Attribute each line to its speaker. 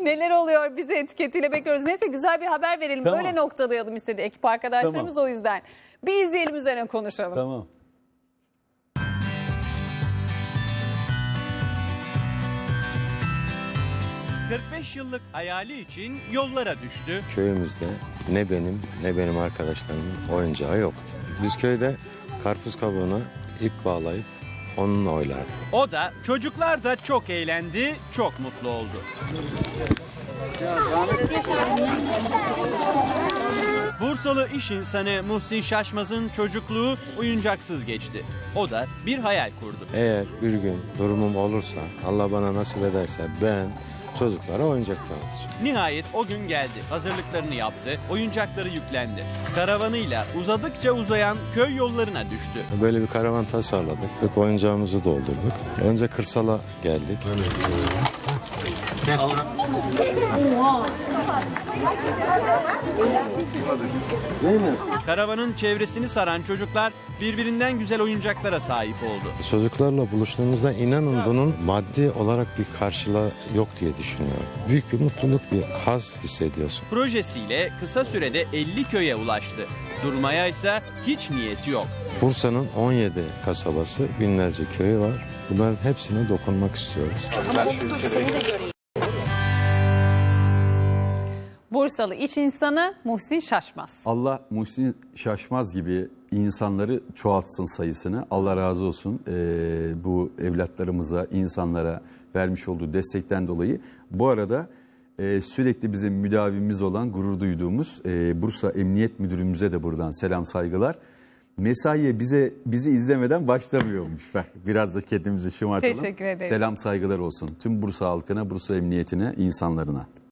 Speaker 1: Neler oluyor bizi etiketiyle bekliyoruz. Neyse güzel bir haber verelim.
Speaker 2: Tamam.
Speaker 1: Öyle noktalayalım istedi ekip arkadaşlarımız
Speaker 2: Tamam.
Speaker 1: o yüzden. Bir izleyelim üzerine konuşalım.
Speaker 2: Tamam.
Speaker 3: ...45 yıllık hayali için yollara düştü.
Speaker 4: Köyümüzde ne benim arkadaşlarımın oyuncağı yoktu. Biz köyde karpuz kabuğuna ip bağlayıp onunla oynardık.
Speaker 3: O da, çocuklar da çok eğlendi, çok mutlu oldu. Bursalı iş insanı Muhsin Şaşmaz'ın çocukluğu oyuncaksız geçti. O da bir hayal kurdu.
Speaker 4: Eğer bir gün durumum olursa, Allah bana nasip ederse ben çocuklara oyuncak dağıtacağım.
Speaker 3: Nihayet o gün geldi. Hazırlıklarını yaptı, oyuncakları yüklendi. Karavanıyla uzadıkça uzayan köy yollarına düştü.
Speaker 4: Böyle bir karavan tasarladık ve oyuncağımızı doldurduk. Önce kırsala geldik.
Speaker 3: Karavanın çevresini saran çocuklar birbirinden güzel oyuncaklara sahip oldu.
Speaker 4: Çocuklarla buluştuğumuzda inanın bunun maddi olarak bir karşılığı yok diye düşünüyorum. Büyük bir mutluluk, bir haz hissediyorsun.
Speaker 3: Projesiyle kısa sürede 50 köye ulaştı. Durmaya ise hiç niyeti yok.
Speaker 4: Bursa'nın 17 kasabası, binlerce köyü var. Bunların hepsine dokunmak istiyoruz.
Speaker 1: Bursalı iş insanı Muhsin Şaşmaz.
Speaker 2: Allah Muhsin Şaşmaz gibi insanları çoğaltsın sayısını. Allah razı olsun bu evlatlarımıza, insanlara vermiş olduğu destekten dolayı. Bu arada sürekli bizim müdavimimiz olan, gurur duyduğumuz Bursa Emniyet Müdürümüze de buradan selam, saygılar. Mesaiye bizi izlemeden başlamıyormuş. Biraz da kendimizi şımartalım.
Speaker 1: Teşekkür ederim.
Speaker 2: Selam, saygılar olsun tüm Bursa halkına, Bursa Emniyetine, insanlarına.